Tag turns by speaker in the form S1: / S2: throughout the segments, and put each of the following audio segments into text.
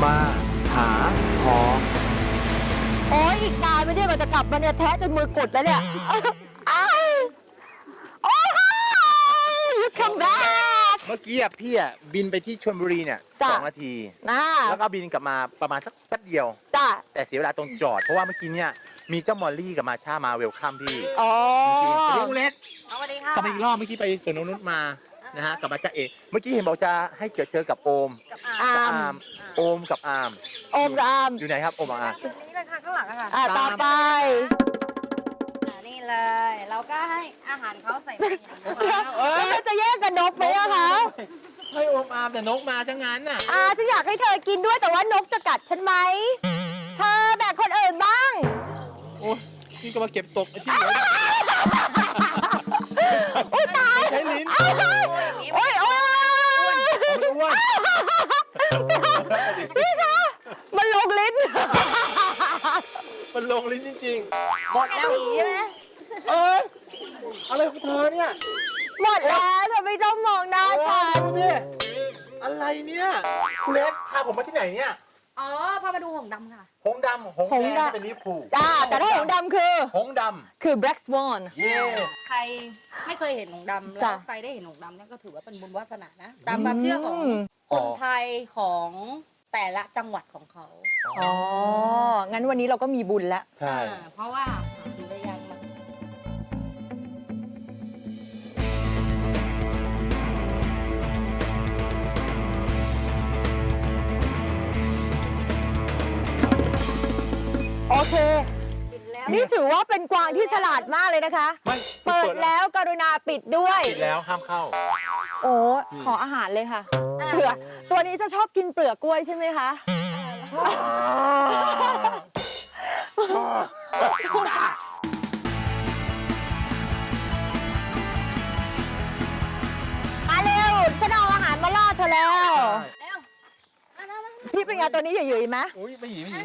S1: มาหาหอ
S2: โอ้ยอีกนานไม่ได้กว่าจะกลับมาเนี่ยแท้จนมือกดแล้วเนี่ยอ้าวโอ้ย you come back
S3: เมื่อกี้พี่บินไปที่ชลบุรีเนี่ย
S2: จ้ะ
S3: 2 นาที
S2: นะ
S3: แล้วก็บินกลับมาประมาณสักแป๊บเดียว
S2: จ้ะ
S3: แต่เสียเวลาตรงจอด เพราะว่าเมื่อกี้เนี่ยมีเจ้ามอลลี่กับมาชามาเวลคัมพี่
S2: อ๋อ
S3: จริงๆสวัสดีคุณเล็ก
S4: สวัสดีค่ะ
S3: กลับมาอีกรอบเมื่อกี้ไปสวนนงนุชมานะฮะกลับมาจ้าเอกเมื่อกี้เห็นบอกจะให้เจอกับโอม
S4: กับ
S2: อา
S3: กับ
S2: ม
S3: อาร์มโอมกับอาร์ม
S2: โอมกับอาม
S3: อยู่ไหนครับโอมกับอาร์ม
S4: ตรงนี้เลยค่ะข้างหลังอะค่ะ
S2: ต่อไป
S4: นี่เลย เราก็ให้อาหารเขาใส่ไปอย่างนี้
S2: แล้วเราจะแยกกับนกไหมอะคะ
S3: ให้โอมอาร์มแต่นกมาทั้งนั้นน่ะ
S2: ฉันอยากให้เธอกินด้วยแต่ว่านกจะกัดฉันไหมเธอแบ่งคนอื่นบ้าง
S3: โอ้ยนี่ก็มาเก็บตกไอ้ที่เหลือ
S2: โอ้ยตาย
S3: ใช้ลิ้น
S2: โอ้ยโอ้ย
S3: มันอ้วน
S2: นี่คะมันลงลิ้น
S3: มันลงลิ้นจริงๆหมดแล้ว
S4: ใช่ไหม
S3: อะไรของเธอเนี่ย
S2: หมดแล้วเธอไม่ต้องมองหน้าฉัน
S3: ดูสิอะไรเนี่ยคุณเล็กพาผมมาที่ไหนเนี่ย
S4: อ๋อ พามาดูหงส์ดำค่ะ
S3: หงส์ดำหงส์แดงเป็นลิเวอร์พูล
S2: แต่ถ้าหงส์ดำคือ
S3: หงส์ด
S2: คือ black swan
S3: ำเย่
S4: ใครไม่เคยเห็นหงส์ดำแล้
S2: จ้ะ
S4: วใครได้เห็นหงส์ดำเนี่ยก็ถือว่าเป็นบุญวาสนานะ ตามความเชื่อของ
S2: อืม
S4: คนไทยของแต่ละจังหวัดของเขา
S2: อ๋อ งั้นวันนี้เราก็มีบุญแล้ว
S3: ใช่
S4: เพราะว่าดูได้ยากมาก
S2: โอเค
S4: กินแล้ว
S2: นี่ถือว่าเป็นกวางที่ฉลาดมากเลยนะคะ
S3: ไม่
S2: เปิดแล้วกรุณาปิดด้วย
S3: ปิดแล้วห้ามเข้า
S2: โอ้ขออาหารเลยค่ะเผื่อตัวนี้จะชอบกินเปลือกกล้วยใช่ไหมคะ มาเร็ว ฉันเอาอาหารมาล่อเธอแล้ว
S4: แล้วมาแล้ว
S2: พี่เป็นไงตัวนี้หยุ่ยๆไหม
S3: อุ้ยไม่หยีไม่หยี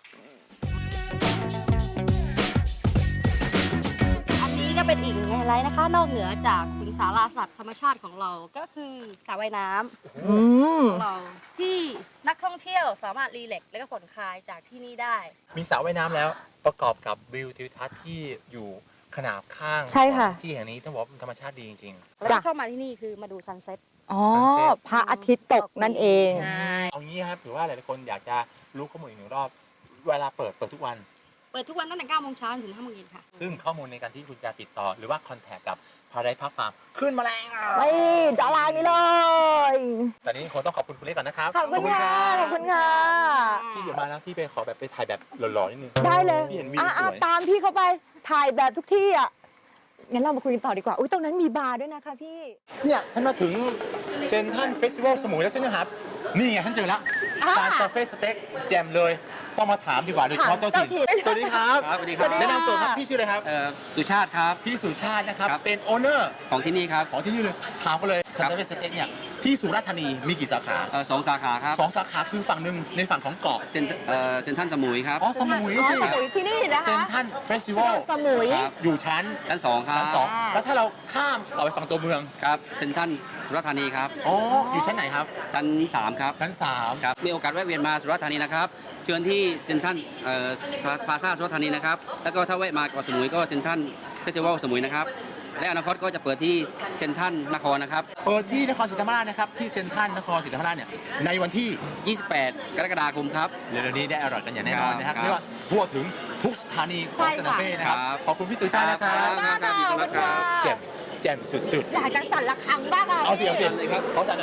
S4: อันนี้ก็เป็นอีกหนึ่งไฮไลท์นะคะ นอกเหนือจากสิงสาราสัตว์ธรรมชาติของเรา ก็คือสระว่ายน้ำ
S2: อืม
S4: ของเราที่นักท่องเที่ยวสามารถรีแลกซ์และก็ผ่อนคลายจากที่นี่ได้
S3: มีสระว่ายน้ำแล้วประกอบกับวิวทิวทัศน์ที่อยู่ขนาบข้าง
S2: ใช่ค่ะ
S3: ที่แห่งนี้ต้องบอกว่าเป็นธรรมชาติดีจริง
S4: แล้วที่ชอบมาที่นี่คือมาดูซันเซ็ต
S2: อ๋อ พระอาทิตย์ตกนั่นเอง
S4: ใช่
S3: ๆ เอางี้ครับหรือว่าหลายๆคนอยากจะรู้ข้อมูลอีกหนึ่งรอบ เวลาเปิดทุกวัน
S4: เปิดทุกวันตั้งแต่9 โมงเช้าถึง5 โมงเย็นค่ะ
S3: ซึ่งข้อมูลในการที่คุณจะติดต่อ หรือว่าคอนแทคกับพาราไดซ์พักฟาร์มขึ้นมาแล้ว
S2: ไปจอลางนี้เลย
S3: ตอนนี้คงต้องขอบคุณคุณเล็กก่อนนะครับ
S2: ขอบคุณค่ะ ขอบคุณค่ะ
S3: พี่เดี๋ยวมาแล้วพี่ไปขอแบบไปถ่ายแบบหล่อๆนิดนึง
S2: ได้เลย
S3: พี่เห็นวิวสวย
S2: ตามพี่เข้าไป ถ่ายแบบทุกที่อ่ะ งั้นเรามาคุยกันต่อดีกว่า อุ้ยตรงนั้นมีบาร์ด้วยนะคะพี่
S3: เนี่ยฉันมาถึงเซนทันเฟสติวัลสมุยแล้วฉันจะหานี่ไงฉันเจอแล้ว
S2: อ่า
S3: ซานคาเฟ่สเต็กแจมเลย ต้องมาถามดีกว่าโดยเฉพาะเจ้าถิ่น
S2: ถามเจ้าถิ่น
S3: สวัสดีครับ
S5: ครับสวัสดีครับ
S3: แนะนำตัวครับพี่ชื่ออะไรครับ
S5: สุชาติครับ
S3: พี่สุชาตินะครับ
S5: ครับ
S3: เป็นโอเนอร์
S5: ของที่นี่ครับ
S3: ของที่นี่เลยถามกันเลยซานคาเฟ่สเต็กเนี่ยที่สุราษฎร์ธานีมีกี่สาขา
S5: สองสาขาครับ
S3: สองสาขาคือฝั่งหนึ่งในฝั่งของเกาะ
S5: เซนทรันสมุยครับ
S3: อ๋อสมุย
S2: อ๋อ
S3: สิ
S2: สมุยที่นี่นะ
S3: เซน
S2: คะ
S3: ทันเฟสติวัล
S2: สมุย
S5: ครับ
S3: อยู่ชั้น
S5: ชั้นสองครับ
S3: ชั้นสองแล้วถ้าเราข้ามต่อไปฝั่งตัวเมือง
S5: ครับเซนทรันสุราษฎร์ธานีครับ
S3: อ๋ออยู่ชั้นไหนครับ
S5: ชั้น3ครับ
S3: ชั้น3
S5: ครับมีโอกาสแวะเวียนมาสุราษฎร์ธานีนะครับเชิญที่เซนทรันพลาซ่าสุราษฎร์ธานีนะครับแล้วก็ถ้าแวะมาเกาะสมุยก็เซนทรันเฟสติวัลสมุยนะครับและอนาคตก็จะเปิดที่เซนทรันนครนะครับ
S3: เปิดที่นครศรีธรรมราชนะครับที่เซ็นทรัลนครศรีธรรมราชเนี่ยในวันที่
S5: 28 กรกฎาคมครับ
S3: เร็วๆนี้ได้อร่อยกันอย่างแน่นอนนะครับ
S5: ครับ
S3: เรียกว่าทั่วถึงทุกสถานีของซานคาเฟ่นะครับ
S5: ครับ
S3: ขอบคุณพี่สุชาตินะครับ
S2: มากค่ะขอบคุณค่ะ
S3: แจ่มแจ่มสุด
S2: อยากจะสั่นระฆังบ้างอ่ะ
S3: ๆเอาสิเอาสิ
S5: เลยครับ
S3: เขาสั่นเลย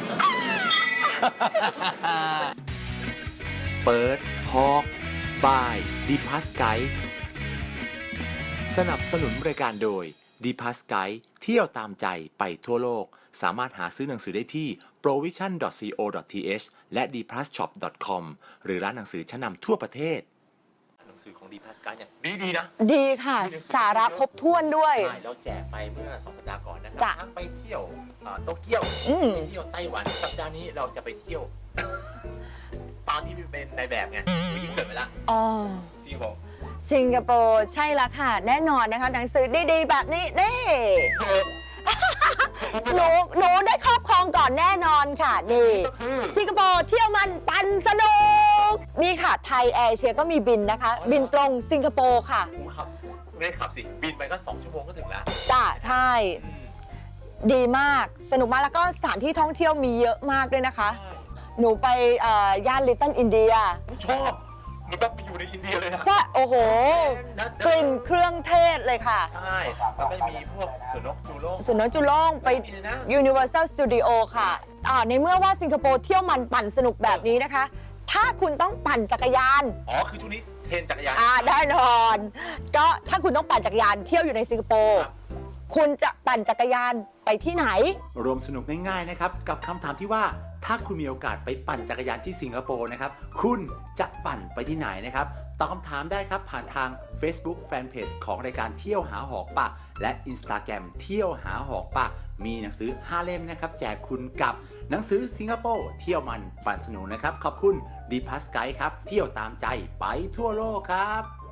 S1: เปิดทอกบายดีพัสไกด์สนับสนุนรายการโดยดีพัสไกด์เที่ยวตามใจไปทั่วโลก สามารถหาซื้อหนังสือได้ที่ provision.co.th และ dplusshop.com หรือร้านหนังสือชั้นนำทั่วประเทศหนังสือของดีพัสไกด์เนี่ยดีๆนะ
S2: ดีค่ะ สาระครบถ้วนด้วย
S3: ใช่เราแจกไปเมื่อ2 สัปดาห์ก่อนนะครั
S2: จ้ะ
S3: ทั้งไปเที่ยวโตเกียว
S2: อืม
S3: ไปเที่ยวไต้หวันสัปดาห์นี้เราจะไปเที่ยว ตอนที่เป็นในแบบไงวิ่งเกิดไปละ
S2: อ๋อ
S3: สิงคโปร์
S2: สิงคโปร์ใช่ละค่ะ แน่นอนนะคะ หนังสือดีๆ แบบนี้นี่หนูได้ครอบครองก่อนแน่นอนค่ะนี่สิงคโปร์เที่ยวมันปันสนุกนี่ค่ะไทยแอร์เอเชียก็มีบินนะคะ บินตรงสิงคโปร์ค่ะ
S3: ครับไม่ได้ขับสิ บินไปก็2 ชั่วโมงก็ถึงแล้ว
S2: จ้าใช่ ดีมากสนุกมากแล้วก็สถานที่ท่องเที่ยวมีเยอะมากด้วยนะคะ หนูไปย่านลิตเติ้ลอินเดีย
S3: ชอบเหมือนแบบไปอยู่ในอินเดียเลยนะ
S2: ใช่โอ้โห กลิ่นเครื่องเทศเลยค่ะ
S3: ใช่แล้วก็จะมีพวกสวนนกจูโล่ง
S2: ส่วนน้องจุล่งไป
S3: มีเลยนะ
S2: Universal Studio ค่ะในเมื่อว่าสิงคโปร์เที่ยวมันปั่นสนุกแบบนี้นะคะ ถ้าคุณต้องปั่นจักรยาน
S3: อ๋อ คือช่วงนี้เทรนจักรยาน
S2: แน่นอน ก็ถ้าคุณต้องปั่นจักรยานเที่ยวอยู่ในสิงคโปร์
S3: ครับ
S2: คุณจะปั่นจักรยานไปที่ไหน
S1: รวมสนุกง่ายๆนะครับกับคำถามที่ว่าถ้าคุณมีโอกาสไปปั่นจักรยานที่สิงคโปร์นะครับคุณจะปั่นไปที่ไหนนะครับตอบคำถามได้ครับผ่านทาง Facebook Fanpage ของรายการเที่ยวหาหอกป่าและ Instagram เที่ยวหาหอกป่ามีหนังสือ5 เล่มนะครับแจกคุณกับหนังสือสิงคโปร์เที่ยวมันปั่นสนุกนะครับขอบคุณดีพัสไกด์ครับเที่ยวตามใจไปทั่วโลกครับ